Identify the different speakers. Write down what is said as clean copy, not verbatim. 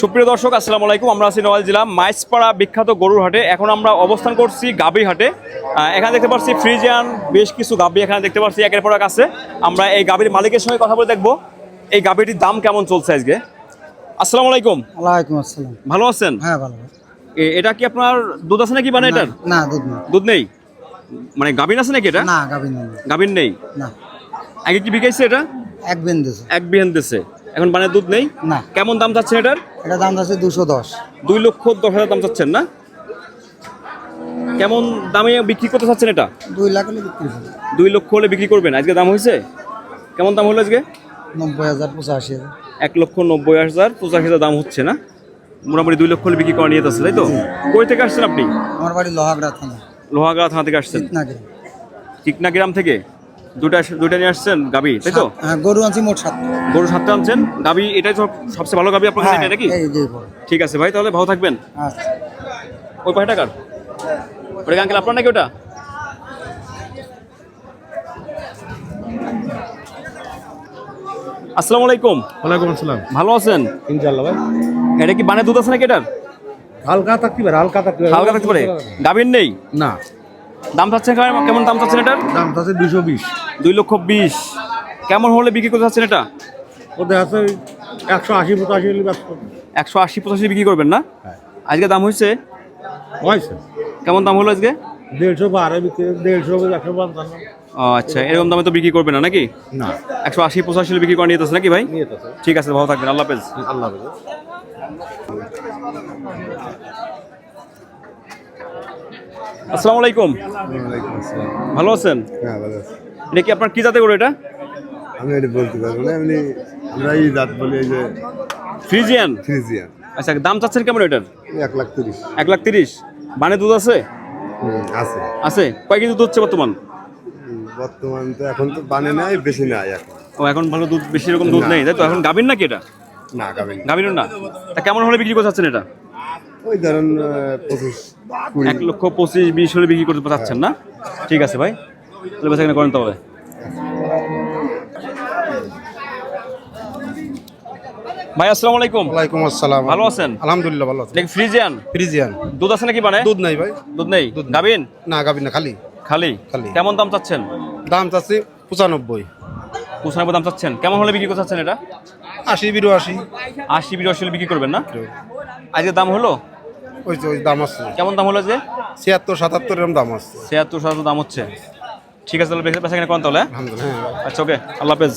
Speaker 1: সুপ্রিয় দর্শক আসসালামু আলাইকুম। আমরা আছি নওয়াল জেলা মাইজপাড়া বিখ্যাত গরুর হাটে। এখন আমরা অবস্থান করছি গাবি হাটে। এখানে দেখতে পাচ্ছি ফ্রিজিয়ান বেশ কিছু গাবি এখানে দেখতে পাচ্ছি একের পর এক আছে। আমরা এই গাবির মালিকের সঙ্গে কথা বলে দেখবো এই গাবিটির দাম কেমন চলছে আজকে। আসসালামু আলাইকুম।
Speaker 2: ওয়ালাইকুম আসসালাম।
Speaker 1: ভালো আছেন?
Speaker 2: হ্যাঁ ভালো।
Speaker 1: এটা কি আপনার দুধ আছে নাকি মানে এটার?
Speaker 2: না দুধ নেই।
Speaker 1: দুধ নেই মানে গাবিন আছে নাকি এটা?
Speaker 2: না গাভিন নেই।
Speaker 1: গাবিন নেই
Speaker 2: না।
Speaker 1: আগে কি বিকাইছে এটা?
Speaker 2: এক বিন দিছে।
Speaker 1: এক বিহান দিছে, এখন মানে দুধ নেই।
Speaker 2: না।
Speaker 1: কেমন দাম চাচ্ছেন এটার?
Speaker 2: এটা দাম আছে 210।
Speaker 1: 2,10,000 দাম চাচ্ছেন না? কেমন দামে বিক্রি করতে চাচ্ছেন এটা?
Speaker 2: 2 লাখ হলে বিক্রি হবে।
Speaker 1: 2 লক্ষ হলে বিক্রি করবেন। আজকে দাম হয়েছে কেমন দাম হলো আজকে?
Speaker 2: 90,000 85,000।
Speaker 1: 1,90,000 85,000 দাম হচ্ছে না, মোটামুটি 2 লক্ষ হলে বিক্রি করা নিয়ে যাচ্ছে, তাই তো? কই থেকে আসছেন আপনি?
Speaker 2: আমার বাড়ি লোহাগড়া থানা।
Speaker 1: লোহাগাড়া থানা থেকে আসছেন?
Speaker 2: চিতনাগিরি।
Speaker 1: চিকনা গ্রাম থেকে দুইটা নিয়ে আসছেন গাবি, তাই তো?
Speaker 2: হ্যাঁ গরু আনছি মোট 7টা।
Speaker 1: গরু 7টা আনছেন, গাবি এটাই সবচেয়ে ভালো গাবি আপনার কাছে, এটা নাকি?
Speaker 2: এই যে বড়।
Speaker 1: ঠিক আছে ভাই, তাহলে ভালো থাকবেন।
Speaker 2: আচ্ছা।
Speaker 1: ওই পাঁচ টাকার ওটা আঙ্কেল আপনার নাকি ওটা? আসসালামু আলাইকুম।
Speaker 3: ওয়ালাইকুম আসসালাম।
Speaker 1: ভালো আছেন?
Speaker 3: ইনশাআল্লাহ ভাই।
Speaker 1: এটা কি বানে দুধ আছে নাকি এটার?
Speaker 3: হালকা থাকতে পারে, হালকা থাকতে পারে।
Speaker 1: হালকা থাকতে পারে। গাভীর নেই?
Speaker 3: না।
Speaker 1: দাম চাচ্ছেন কেমন দাম চাচ্ছেন এটার?
Speaker 3: দাম আছে 220।
Speaker 1: 2,20,000 কেমন হলে বিক্রি করতে চাচ্ছেন এটা?
Speaker 3: ওদের আছে 180 85 হলে ব্যস্ত।
Speaker 1: 180-85 বিক্রি করবেন না?
Speaker 3: হ্যাঁ।
Speaker 1: আজকে দাম হয়েছে
Speaker 3: হয়েছে।
Speaker 1: কেমন দাম হলো আজকে?
Speaker 3: 150 বিক্রি, 150 155।
Speaker 1: ও আচ্ছা, এরকম দামে তো বিক্রি করবে না নাকি?
Speaker 3: না।
Speaker 1: 180-85 বিক্রি করে নিয়ে যাচ্ছে নাকি ভাই?
Speaker 3: নিয়ে আছে।
Speaker 1: ঠিক আছে, ভালো থাকবেন, আল্লাহ হাফেজ।
Speaker 3: আল্লাহ হাফেজ।
Speaker 1: আসসালামু আলাইকুম।
Speaker 4: ওয়ালাইকুম আসসালাম।
Speaker 1: ভালো আছেন?
Speaker 4: হ্যাঁ ভালো আছি।
Speaker 1: এটা কি আপনার কি জাতে গরু এটা?
Speaker 4: আমি এটা বলতে পারবো না, এমনি আমরা এই জাত বলি, এই যে
Speaker 1: ফ্রিজিয়ান।
Speaker 4: ফ্রিজিয়ান।
Speaker 1: আচ্ছা, দাম চাচ্ছেন কেমন এটার?
Speaker 4: 1,30,000।
Speaker 1: 1,30,000 বানে দুধ আছে?
Speaker 4: আছে।
Speaker 1: আছে। কয় কেজি দুধ হচ্ছে বর্তমান?
Speaker 4: বর্তমান তো এখন তো বানে নাই, বেশি নাই এখন।
Speaker 1: ও এখন ভালো দুধ, বেশি রকম দুধ
Speaker 4: না।
Speaker 1: নেই, তাই তো? এখন গাভীর নাকি এটা?
Speaker 4: না গাবেন।
Speaker 1: গাভীর না। তা কেমন হলে বিক্রি করতে চাচ্ছেন এটা?
Speaker 4: ওই ধরেন 25 20।
Speaker 1: 1,25,000-20 হলে বিক্রি করতে চাচ্ছেন না? ঠিক আছে ভাই, তাহলে বেচা কেনা করেন তবে। ভাই আসসালামু আলাইকুম।
Speaker 5: ওয়ালাইকুম আসসালাম।
Speaker 1: ভালো আছেন?
Speaker 5: আলহামদুলিল্লাহ ভালো আছি।
Speaker 1: দেখি ফ্রিজিয়ান
Speaker 5: ফ্রিজিয়ান।
Speaker 1: দুধ আছে নাকি মানে?
Speaker 5: দুধ নাই ভাই।
Speaker 1: দুধ নেই।
Speaker 5: দুধ নেই।
Speaker 1: গাভীন?
Speaker 5: না গাবি না, খালি।
Speaker 1: খালি?
Speaker 5: খালি।
Speaker 1: কেমন দাম চাচ্ছেন?
Speaker 5: দাম চাচ্ছি 95।
Speaker 1: 95 দাম চাচ্ছেন। কেমন হলে বিক্রি করতে চাচ্ছেন এটা?
Speaker 5: 80 82।
Speaker 1: 80-82 হলে বিক্রি করবেন না? আজকে দাম হলো
Speaker 5: ওই দাম আছে।
Speaker 1: কেমন দাম হলো যে?
Speaker 5: 76 77 এরকম দাম আছে।
Speaker 1: 76-77 দাম হচ্ছে। ঠিক আছে, তাহলে বেচা কেনা করেন তাহলে।
Speaker 5: আলহামদুলিল্লাহ। হ্যাঁ।
Speaker 1: আচ্ছা, ওকে, আল্লাহ হাফেজ।